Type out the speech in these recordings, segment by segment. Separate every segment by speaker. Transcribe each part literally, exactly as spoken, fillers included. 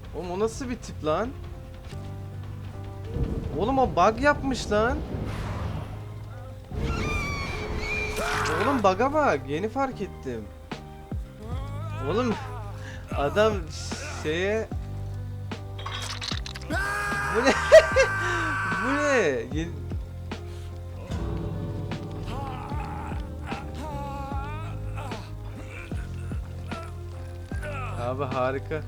Speaker 1: Oğlum o nasıl bir tip lan? Oğlum o bug yapmış lan. Oğlum bug'a bak. Yeni fark ettim. Oğlum adam şeye... Bu ne? Bu ne? Yeni... Abi harika.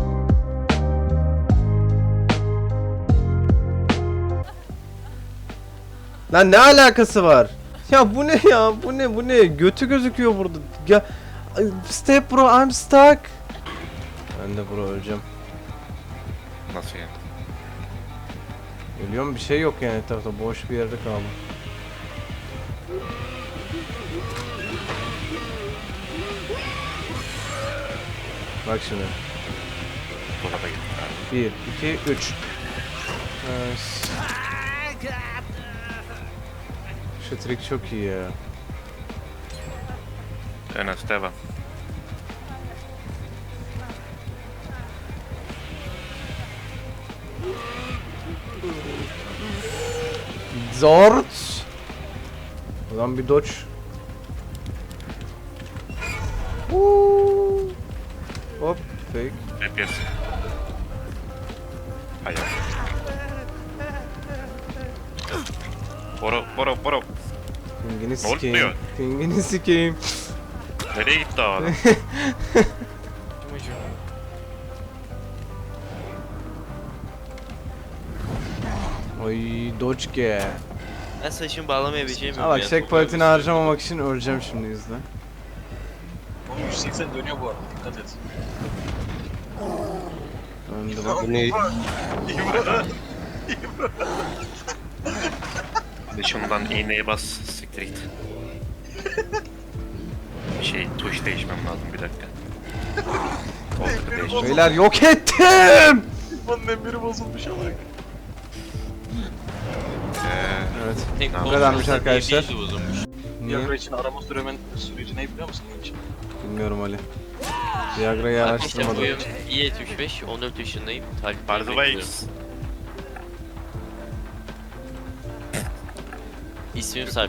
Speaker 1: Lan ne alakası var? Ya bu ne ya? Bu ne? Bu ne? Götü gözüküyor burada. Ya step bro, I'm stuck. Ben de bro öleceğim.
Speaker 2: Nasıl yani?
Speaker 1: Ölüyorum, bir şey yok yani etrafta, boş bir yerde kaldım. Bak şimdi.
Speaker 2: Dolaba gittim abi.
Speaker 1: bir, iki, üç. Evet. Şu trik çok iyi ya.
Speaker 2: Enes devam.
Speaker 1: Zort. Ulan bir dodge. Woo. Hop fake.
Speaker 2: Hep yersin. Hayır. Boro, boro, boro.
Speaker 1: Pingini
Speaker 2: Ne
Speaker 1: sikeyim.
Speaker 2: oluyor?
Speaker 1: Pingini sikeyim.
Speaker 2: Nereye gitti o adam?
Speaker 1: Oy dodge ge.
Speaker 3: Ben saçımı bağlamayabileceğim
Speaker 1: Ha bak checkpoint'ini harcamamak için öleceğim şimdi izle.
Speaker 4: yüz seksen dönüyor bu arada, dikkat et.
Speaker 1: Döndü bak.
Speaker 5: Bu ne?
Speaker 2: Hadi şundan iğneye bas, siktir git. Bir şey, tuş değişmem lazım bir dakika. Oldu değişti.
Speaker 1: Beyler yok ettim.
Speaker 4: Bunun emiri bozulmuş ama.
Speaker 2: Ee,
Speaker 1: Evet.
Speaker 2: bu
Speaker 1: kadarmış arkadaşlar. Niye?
Speaker 4: Viagra için arama süremen süreci ne biliyor musun bunun için?
Speaker 1: Bilmiyorum Ali. Viagra'yı
Speaker 3: Arkadaşlar
Speaker 1: araştırmadım.
Speaker 3: boyum bir yetmiş beş, on dört yaşındayım. Takip
Speaker 2: By the way,
Speaker 3: İsmim Sarp.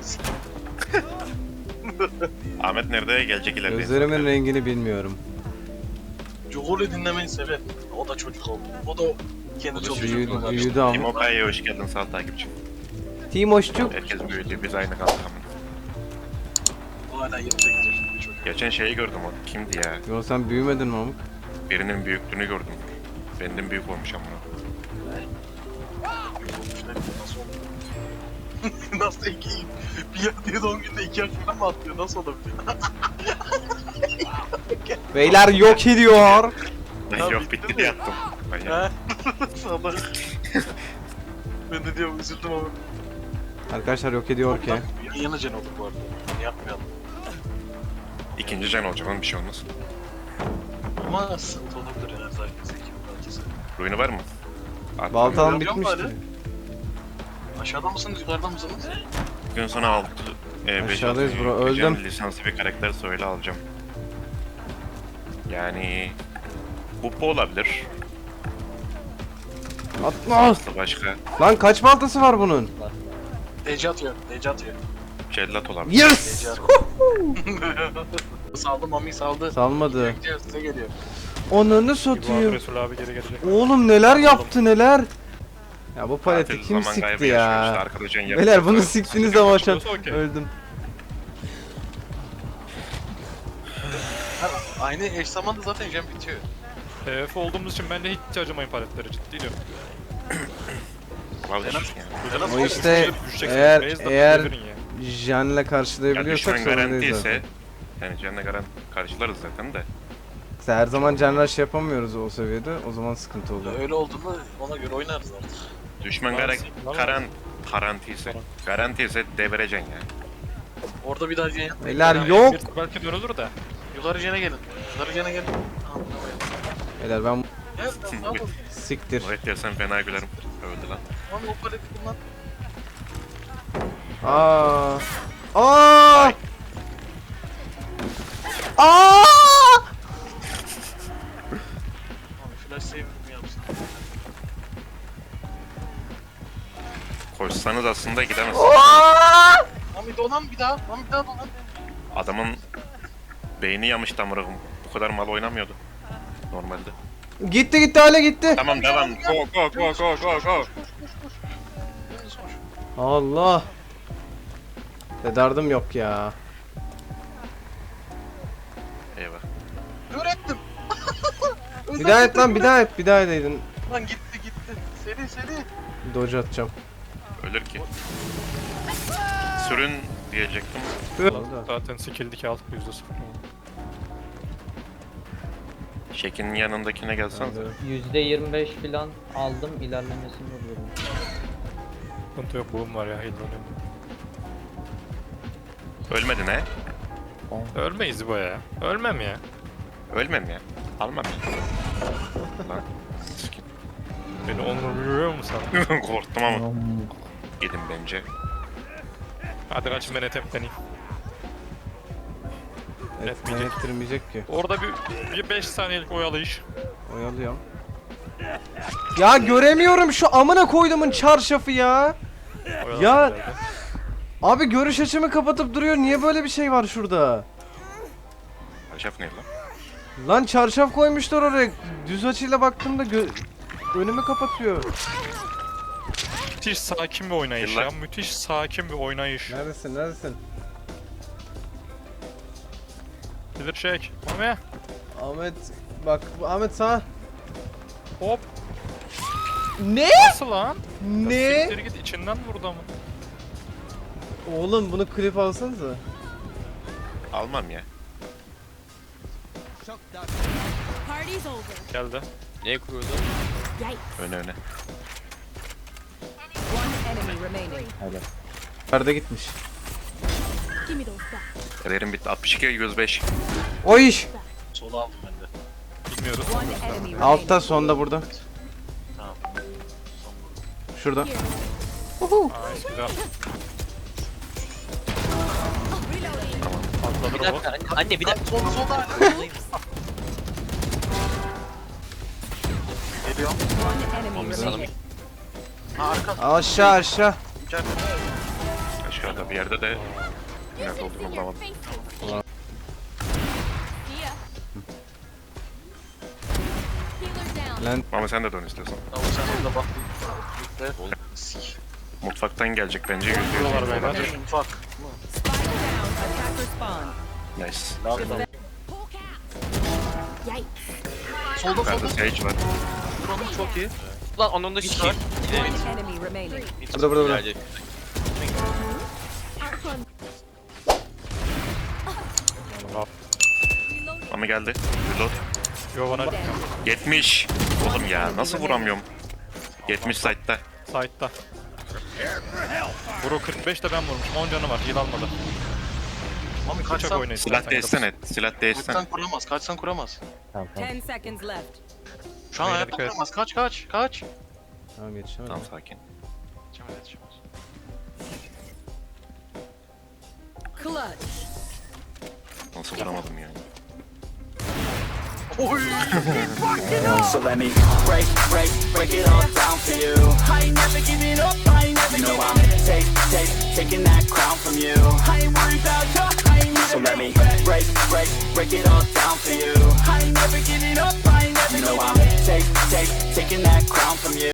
Speaker 2: Ahmet nerede? Gelecek ileride.
Speaker 1: Gözlerimin rengini bilmiyorum.
Speaker 4: Cugur'u dinlemeyi sever. O da çocuk oldu. O da kendi çocuğu.
Speaker 1: Büyüdü,
Speaker 4: çocuğu
Speaker 1: büyüdü ama.
Speaker 2: Timo Kaya'ya hoş geldin, sağ ol takipçi.
Speaker 1: Timoşçuk.
Speaker 2: Herkes büyüdü, biz aynı kaldık ama.
Speaker 4: O hala yirmi sekiz yaşında bir çocuk.
Speaker 2: Geçen şeyi gördüm, o kimdi ya?
Speaker 1: Yo sen büyümedin mi amık?
Speaker 2: Birinin büyüklüğünü gördüm. Benden büyük olmuş ama.
Speaker 4: Nasıl oldu? Nasıl iki? Bir yer diye doğum günde iki yaş falan mı atlıyor? Nasıl olabilir?
Speaker 1: Beyler yok ediyor.
Speaker 2: Ben
Speaker 4: Ya
Speaker 2: yok
Speaker 4: bitti
Speaker 2: bitti
Speaker 4: mi?
Speaker 2: diye attım. Ben ya.
Speaker 4: He? Sana. Ben de diyorum üzüldüm ama.
Speaker 1: Arkadaşlar yok ediyor ki.
Speaker 4: Yan yana can olur bu arada. Yani yapmayalım.
Speaker 2: İkinci can olacak, onun bir şey olmaz.
Speaker 4: Ama sıkıntı olabilir yani zaten zeki bir parçası.
Speaker 2: Ruin'i var mı? At.
Speaker 1: Baltam
Speaker 4: Yok mu
Speaker 1: bitmişti.
Speaker 4: Ali? Aşağıda mısınız, yukarıda mısınız?
Speaker 2: Gün sonra altı. E, beş,
Speaker 1: Aşağıdayız
Speaker 2: altı
Speaker 1: bro, öldüm.
Speaker 2: yapacağım, lisanslı bir karakter söyle alacağım. Yani... Buppo olabilir.
Speaker 1: Atma.
Speaker 2: Aslı başka.
Speaker 1: Lan kaç baltası var bunun?
Speaker 4: D C atıyor, D C atıyor.
Speaker 2: Cellat olabilir.
Speaker 1: Yes.
Speaker 4: D C saldı, Mami saldı.
Speaker 1: Salmadı.
Speaker 4: Gidiyor, size geliyor.
Speaker 1: Onunu satayım.
Speaker 6: Resul abi geri gelecek.
Speaker 1: Oğlum neler yaptı neler. Ya bu paleti
Speaker 2: Tatil
Speaker 1: kim
Speaker 2: zaman kaybı
Speaker 1: sikti
Speaker 2: yaşıyor işte,
Speaker 1: ya?
Speaker 2: arkadaşın yapıyor.
Speaker 1: Beyler bunu siktiniz ama şu an
Speaker 6: Okey.
Speaker 1: öldüm.
Speaker 4: Ha, aynı eş zamanda zaten jam bitiyor.
Speaker 6: T F olduğumuz için ben de hiç acımayın paletlere, ciddi diyorum.
Speaker 2: Vallahi yani.
Speaker 1: O işte
Speaker 6: Düşeceksin,
Speaker 1: eğer
Speaker 6: base atıp
Speaker 1: eğer
Speaker 6: devirin ya.
Speaker 1: Jan'la
Speaker 2: Ya
Speaker 1: karşılayabiliyorsak
Speaker 2: düşman
Speaker 1: sorun değil
Speaker 2: garantiyse...
Speaker 1: zaten.
Speaker 2: Yani canına garanti karşılarız zaten de.
Speaker 1: İşte her zaman Can Rush yapamıyoruz o seviyede, o zaman sıkıntı oluyor.
Speaker 4: Öyle olduğunda ona göre oynarız artık.
Speaker 2: Düşman
Speaker 6: Var-
Speaker 2: garan
Speaker 6: var-
Speaker 2: karan garantiyse. Garantiyse devireceksin yani.
Speaker 4: Orada bir daha jene yapmayın.
Speaker 1: Beyler
Speaker 4: Yani
Speaker 1: yok.
Speaker 6: Bir belki dönülür de.
Speaker 4: Yukarı jene gelin. Yukarı jene gelin.
Speaker 1: Beyler ben
Speaker 4: Evet, tamam.
Speaker 1: siktir.
Speaker 2: Evet dersen fena gülerim. Öldü lan.
Speaker 4: Tamam, o paleti kullan.
Speaker 1: Aa. Aa. Aa.
Speaker 4: Abi flash save'imi yapsın.
Speaker 2: Koşsanız aslında gidemezsiniz.
Speaker 4: Lan bir dolan bir daha. Lan bir daha dolan.
Speaker 2: Adamın beyni yamıştı amına koyayım. Bu kadar mal oynamıyordu normalde.
Speaker 1: Gitti gitti hale gitti.
Speaker 2: Tamam devam. Go go go go go go.
Speaker 4: Dümdüz koş.
Speaker 1: Allah. Dedardım yok ya.
Speaker 2: Eyvah.
Speaker 4: Kör ettim.
Speaker 1: Bir daha et lan bir daha et bir daha edeydin.
Speaker 4: Lan gitti gitti. Seri seri.
Speaker 1: Dodge atacağım.
Speaker 2: Ölür ki. Sürün diyecektim.
Speaker 1: Oldu.
Speaker 6: Zaten skill'dik aldık yüzde sıfır.
Speaker 2: Şekin yanındakine gelsen.
Speaker 5: yüzde yirmi beş falan aldım, ilerlemesini vuruyorum.
Speaker 6: Sıkıntı yok, boom var ya, heal'lanıyorum.
Speaker 2: Ölmedin he?
Speaker 6: Ölmeyiz bu ya. Ölmem ya.
Speaker 2: Ölmem ya. Almam ya. Lan. Sikin.
Speaker 6: Beni onurluyor mu sen?
Speaker 2: Korktum ama. Gidin bence.
Speaker 6: Hadi kaçın, ben etepleneyim.
Speaker 1: Et,
Speaker 6: Etmeyecek.
Speaker 1: ettirmeyecek ki.
Speaker 6: Orada bir, bir beş saniyelik oyalayış.
Speaker 1: Oyalıyorum. Ya göremiyorum şu amına koyduğumun çarşafı ya.
Speaker 6: Oyalayış
Speaker 1: Ya-
Speaker 6: herhalde.
Speaker 1: Abi görüş açımı kapatıp duruyor. Niye böyle bir şey var şurada?
Speaker 2: Şef ne lan?
Speaker 1: Lan çarşaf koymuşlar oraya. Düz açıyla baktığımda gö- önümü kapatıyor.
Speaker 6: Müthiş sakin bir oynayış
Speaker 2: Yıllar-
Speaker 6: ya. Müthiş sakin bir oynayış.
Speaker 1: Neredesin? Neredesin?
Speaker 6: Bilir çek. Mami.
Speaker 1: Ahmet bak Ahmet sağ.
Speaker 6: Hop.
Speaker 1: Ne?
Speaker 6: Nasıl lan?
Speaker 1: Ne?
Speaker 6: Siktir git, içinden vurdu ama.
Speaker 1: Oğlum bunu klip alsanıza.
Speaker 2: Almam ya.
Speaker 7: Party's over.
Speaker 6: Geldi.
Speaker 3: Ne kurdu?
Speaker 7: Yikes.
Speaker 2: Öne öne.
Speaker 7: One enemy remaining.
Speaker 1: Nerede gitmiş?
Speaker 7: Give me those back.
Speaker 2: Kariyerim bitti. altmış iki yüz beş.
Speaker 1: O iş.
Speaker 4: Sola aldım ben de.
Speaker 6: Bilmiyoruz.
Speaker 7: One enemy remaining.
Speaker 1: Altta sonda burada.
Speaker 4: Tamam.
Speaker 1: Şurada.
Speaker 6: Ay güzel. Atladı
Speaker 3: Bir
Speaker 6: robot.
Speaker 3: dakika anne, anne bir
Speaker 4: Lan
Speaker 3: dakika.
Speaker 4: solda solda. Geliyorum.
Speaker 7: One enemy
Speaker 3: Sanırım.
Speaker 7: remaining.
Speaker 4: Ha arka.
Speaker 1: Aşağı aşağı.
Speaker 4: İçeride.
Speaker 2: Aşağıda bir yerde de nerede olduğunu bulamadım.
Speaker 7: Yeah. Healer down.
Speaker 1: Lan
Speaker 2: Ama sen de dön istiyorsan.
Speaker 4: Tamam sen orada bak. Bekle. Sik.
Speaker 2: Mutfaktan gelecek bence yüzde yüz.
Speaker 6: Buralar beyler.
Speaker 4: Mutfak.
Speaker 7: Spike down. Attacker spawn.
Speaker 2: Nice.
Speaker 4: Nerede?
Speaker 7: Pull cap. Yikes.
Speaker 4: Solda
Speaker 2: Nerede
Speaker 4: solda.
Speaker 2: Sage var.
Speaker 4: Buranın çok iyi.
Speaker 3: Lan onun da sikeyim. Gidelim.
Speaker 7: One enemy remaining.
Speaker 1: burada burada burada.
Speaker 3: Geldi.
Speaker 7: Outrun.
Speaker 2: Ama geldi. Reload.
Speaker 6: Yo bana
Speaker 2: yetmiş. Oğlum ya nasıl vuramıyorum? yetmiş site'da.
Speaker 6: side'da. Vuru kırk beş de ben vurmuşum. on canı var. Heal almadı.
Speaker 4: Mami
Speaker 6: Bıçak
Speaker 4: kaçsan.
Speaker 6: oynayın.
Speaker 2: Silah değişsene. Silah değişsene.
Speaker 4: Kaçsan kuramaz. Kaçsan kuramaz.
Speaker 7: Ten seconds left.
Speaker 4: Şu an
Speaker 6: Beyler
Speaker 4: hayatta
Speaker 6: dikkat et.
Speaker 4: kuramaz. Kaç kaç. Kaç.
Speaker 1: Tamam yetişemedim.
Speaker 2: Tamam sakin.
Speaker 4: Geçemez geçemez.
Speaker 7: Clutch.
Speaker 2: Nasıl vuramadım yani?
Speaker 4: Oy.
Speaker 8: So let me break, break, break it all down for you. I ain't never giving up, I ain't never you know I'm take, take, taking that crown from you. I ain't worried about you, I ain't never So let me break, break, break it all down for you. I ain't never giving up, I ain't never you know I'm take, take, taking that crown from you.